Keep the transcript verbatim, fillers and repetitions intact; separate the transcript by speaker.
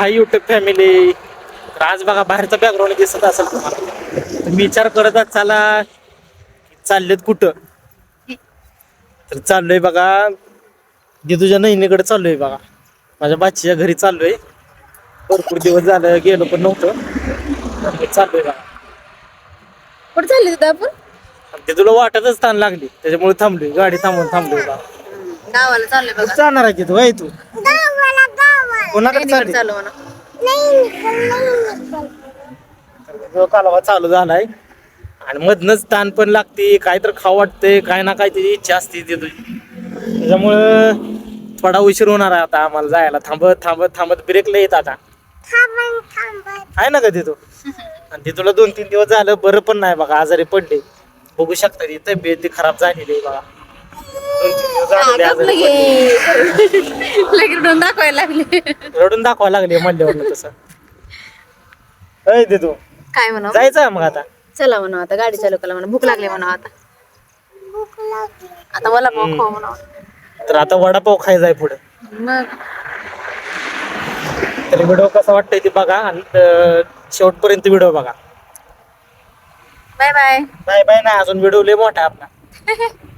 Speaker 1: हाय YouTube family. आज बघा बाहेरचा बॅकग्राऊंड दिसत असेल तुम्हाला. मी विचार करत चला चाललेत कुठं, तर चाललोय बघा दिदूच्या नहिनीकडे चाललोय बघा. माझ्या बाचीच्या घरी चाललोय. भरपूर दिवस झालं गेलो पण नव्हतं. चाललोय बघा.
Speaker 2: कुठे चालली होती आपण?
Speaker 1: दिदूला वाटतच ताण लागली त्याच्यामुळे थांबलोय. गाडी थांबवून थांबलोय बघा.
Speaker 2: गावाला चाललोय बघा.
Speaker 1: जाणार आहे की तू? तू कोणाकडे
Speaker 2: बहिणीकडे
Speaker 1: चालली?
Speaker 2: चालू म्हणा.
Speaker 1: जो कालवा चालू झालाय आणि मधनच ताण पण लागते. काय तर खाऊ वाटतंय, काय ना काय त्याची इच्छा असते तिथं. त्याच्यामुळं थोडा उशीर होणार आहे आता आम्हाला जायला. थांबत थांबत थांबत ब्रेक लय येत आता आहे ना का तिथं. आणि तिथूला दोन तीन दिवस झालं बरं पण नाही बघा, आजारी पडले. बघू शकता ती तब्येत ती खराब झालेली आहे बघा. दोन तीन दिवस झालेले आजारी पडले.
Speaker 2: लगेच रडून दाखवायला लागले.
Speaker 1: रडून दाखवा लागले म्हणल्यावर तसं. अय दिदू
Speaker 2: काय म्हणा
Speaker 1: जायचं मग आता.
Speaker 2: चला म्हणा आता गाडी चालू करा म्हणा. भूक लागली म्हणा आता. आता मला खाऊ खाऊ म्हणा.
Speaker 1: तर आता वडापाव खायचा आहे पुढे.
Speaker 2: मग
Speaker 1: तर व्हिडिओ कसा वाटतंय ते बघा आणि अं, शेवटपर्यंत व्हिडिओ बघा.
Speaker 2: Bye bye.
Speaker 1: बाय बाय नाही, अजून व्हिडिओ लय मोठा आहे आपला.